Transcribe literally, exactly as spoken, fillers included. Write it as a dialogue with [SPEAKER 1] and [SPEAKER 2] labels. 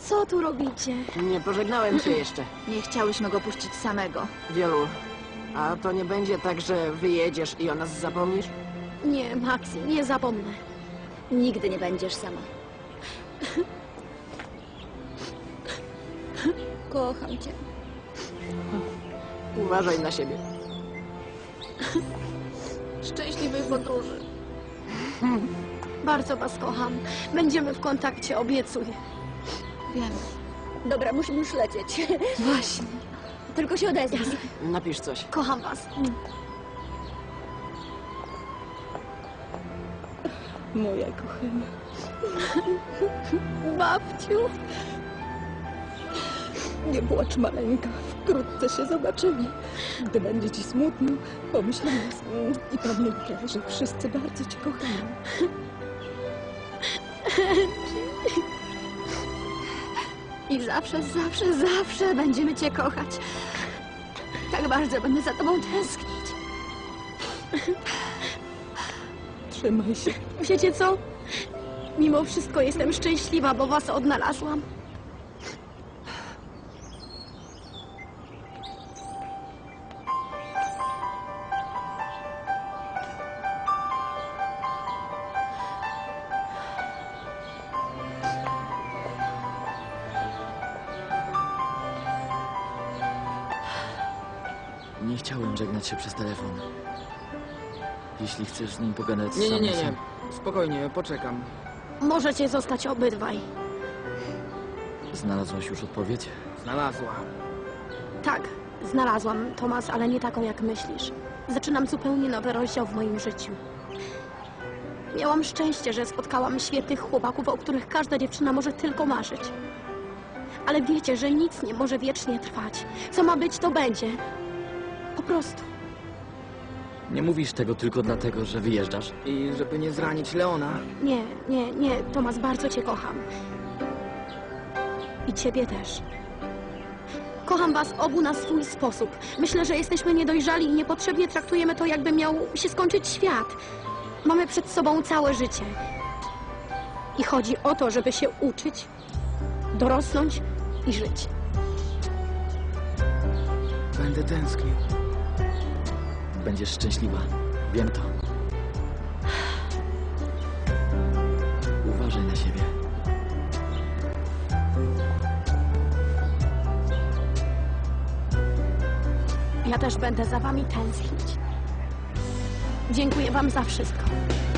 [SPEAKER 1] Co tu robicie?
[SPEAKER 2] Nie pożegnałem cię jeszcze.
[SPEAKER 3] Nie chciałyśmy go puścić samego.
[SPEAKER 2] Wielu. A to nie będzie tak, że wyjedziesz i o nas zapomnisz?
[SPEAKER 1] Nie, Maxi, nie zapomnę.
[SPEAKER 3] Nigdy nie będziesz sama. Kocham cię.
[SPEAKER 2] Uważaj na siebie.
[SPEAKER 1] Szczęśliwej podróży. Bardzo was kocham. Będziemy w kontakcie, obiecuję.
[SPEAKER 3] Wiem. Dobra, musimy już lecieć.
[SPEAKER 1] Właśnie.
[SPEAKER 3] Tylko się odezwij.
[SPEAKER 2] Napisz coś.
[SPEAKER 1] Kocham was.
[SPEAKER 3] Moja kochana.
[SPEAKER 1] Babciu.
[SPEAKER 3] Nie płacz, maleńka. Wkrótce się zobaczymy. Gdy będzie ci smutno, pomyśl o nas. I pamiętaj, że wszyscy bardzo cię kochają.
[SPEAKER 1] I zawsze, zawsze, zawsze będziemy cię kochać. Tak bardzo będę za tobą tęsknić.
[SPEAKER 3] Trzymaj się.
[SPEAKER 1] Wiecie co? Mimo wszystko jestem szczęśliwa, bo was odnalazłam.
[SPEAKER 4] Nie chciałem żegnać się przez telefon. Jeśli chcesz z nim pogadać
[SPEAKER 5] Nie, nie,
[SPEAKER 4] sam
[SPEAKER 5] nie,
[SPEAKER 4] na
[SPEAKER 5] nie.
[SPEAKER 4] sam.
[SPEAKER 5] Spokojnie, poczekam.
[SPEAKER 1] Możecie zostać obydwaj.
[SPEAKER 4] Znalazłaś już odpowiedź?
[SPEAKER 5] Znalazła.
[SPEAKER 1] Tak, znalazłam, Tomas, ale nie taką, jak myślisz. Zaczynam zupełnie nowy rozdział w moim życiu. Miałam szczęście, że spotkałam świetnych chłopaków, o których każda dziewczyna może tylko marzyć. Ale wiecie, że nic nie może wiecznie trwać. Co ma być, to będzie. Po prostu.
[SPEAKER 4] Nie mówisz tego tylko dlatego, że wyjeżdżasz?
[SPEAKER 5] I żeby nie zranić Leona.
[SPEAKER 1] Nie, nie, nie, Tomas, bardzo cię kocham. I ciebie też. Kocham was obu na swój sposób. Myślę, że jesteśmy niedojrzali i niepotrzebnie traktujemy to, jakby miał się skończyć świat. Mamy przed sobą całe życie. I chodzi o to, żeby się uczyć, dorosnąć i żyć.
[SPEAKER 5] Będę tęsknił.
[SPEAKER 4] Będziesz szczęśliwa. Wiem to. Uważaj na siebie.
[SPEAKER 1] Ja też będę za wami tęsknić. Dziękuję wam za wszystko.